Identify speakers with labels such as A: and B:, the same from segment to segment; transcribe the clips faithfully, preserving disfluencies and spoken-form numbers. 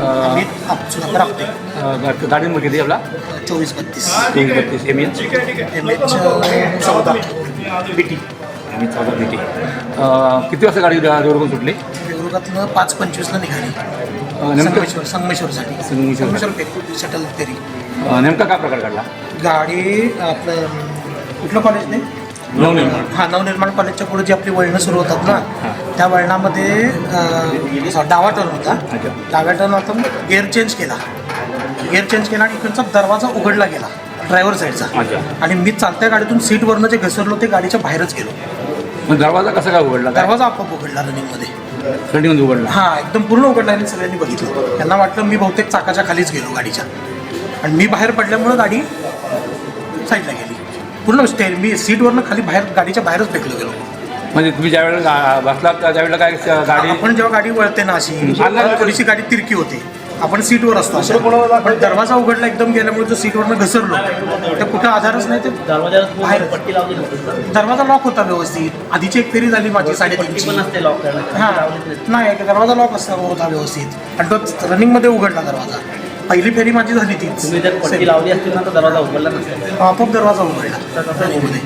A: अमित सुधाकर आपटे.
B: गाडी नंबर किती आपला?
A: चोवीस बत्तीस
B: चोवीस बत्तीस एम एच
A: एम एच चौदा बी टी.
B: एम एच चौदा बी टी. किती वाजता गाडी देवरुखून सुटली?
A: देवरुखातनं पाच पंचवीसला निघाली
B: नेमकं
A: संगमेश्वर संगमेश्वरसाठी.
B: संगमेश्वर.
A: संगमेश्वर फेरी शटल फेरी.
B: नेमका काय प्रकार घडला?
A: गाडी आपलं कुठलं कॉलेज नाही
B: नवनिर्माण.
A: हां नवनिर्माण कॉलेजच्या पुढे जी आपली वळणं सुरू होतात ना त्या वळणामध्ये अं, डावा टर्न होता.
B: अच्छा.
A: डाव्या टर्न होता गेअर चेंज केला गेअर चेंज केला आणि इकडचा दरवाजा उघडला गेला ड्रायव्हर साईडचा.
B: अच्छा.
A: आणि मी चालत्या गाडीतून सीटवरनं जे घसरलो ते गाडीच्या बाहेरच गेलो.
B: मग दरवाजा कसा काय उघडला? काय
A: दरवाजा आपोआप उघडला रनिंगमध्ये.
B: रनिंगमध्ये उघडला?
A: हां एकदम पूर्ण उघडला आणि सगळ्यांनी बघितलं. त्यांना वाटलं मी बहुतेक चाकाच्या खालीच गेलो गाडीच्या आणि मी बाहेर पडल्यामुळं गाडी साईडला गेली पूर्ण. स्टेअर मी सीटवरनं खाली बाहेर गाडीच्या बाहेरच फेकलो गेलो.
B: म्हणजे तुम्ही ज्यावेळेला बसला त्यावेळेला काय गाडी?
A: आपण जेव्हा गाडी वळते ना अशी
B: हम्म.
A: थोडीशी गाडी तिरकी होते. आपण सीटवर असतो अशा. पण दरवाजा उघडला एकदम गेल्यामुळे जो सीटवरनं घसरलो तर कुठं आधारच नाही. ते बाहेर दरवाजा लॉक होता व्यवस्थित. आधीची एक फेरी झाली माझी साडेतीनची. हां नाही दरवाजा लॉक असता होता व्यवस्थित आणि तो रनिंगमध्ये उघडला दरवाजा. पहिली फेरी माझी झाली तीच.
C: तुम्ही जर पट्टी लावली असती ना तर दरवाजा उघडला नसता.
A: आपोआप दरवाजा उघडला रनिंगमध्ये.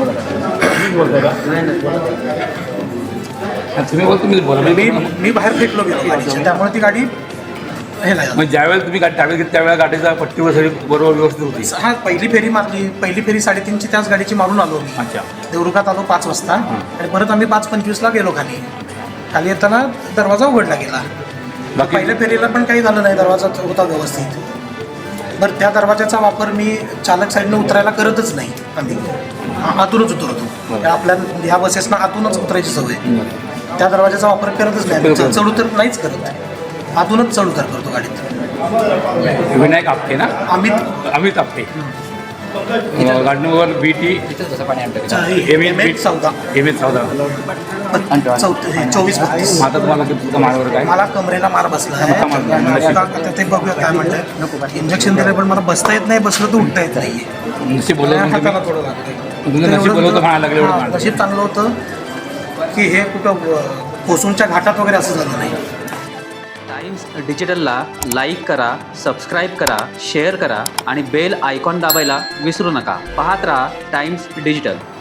B: तुम्ही बोल तुम्ही बोला.
A: मी मी बाहेर फेकलो गेलो गाडीच्या त्यामुळे ती गाडी हे नाही झालं.
B: मग ज्यावेळेला तुम्ही गाडी त्यावेळेला घेतली त्यावेळेला गाडीचा पट्टीवर सगळी बरोबर व्यवस्थित होती?
A: हा पहिली फेरी मारली. पहिली फेरी साडेतीनची त्याच गाडीची मारून आलो मी.
B: अच्छा.
A: देवरुखात आलो पाच वाजता आणि परत आम्ही पाच पंचवीसला गेलो खाली. खाली येताना दरवाजा उघडला गेला.
B: बाकी
A: पहिल्या फेरीला पण काही झालं नाही. दरवाजा होता व्यवस्थित. बरं त्या दरवाजाचा वापर मी चालक साईडनं उतरायला करतच नाही. आम्ही आतूनच उतरतो. आपल्या ह्या बसेसना आतूनच उतरायची सवय. त्या दरवाजाचा वापर करतच नाही. चढ उतर नाहीच करत. आतूनच चढ उतर करतो गाडीत.
B: विनायक आपटे ना?
A: अमित
B: अमित आपटे. गाडी number B T M H चौदा एम एच चौदा
A: चौदा चोवीस बत्तीस.
B: आता तुम्हाला तुमचा माळवर काय?
A: मला कमरेला मार बसला आहे. आता ते बघूया काय म्हणतात. इंजेक्शन दिलं पण मला बसता येत नाही. बसलं तर उठता येत नाही.
B: नशीब बोलवलं
A: हाताला
B: तुम्ही?
A: थोडं लागलं.
B: तुमचं नशीब बोलवतं म्हणायला लागलं एवढं मारलं.
A: नशीब चांगलं होतं की हे कुठं कोसूनच्या घाटात वगैरे असं झालं नाही.
C: टाइम्स डिजिटलला लाईक करा, सबस्क्राईब करा, शेअर करा आणि बेल आयकॉन दाबायला विसरू नका. पाहत राहा टाइम्स डिजिटल.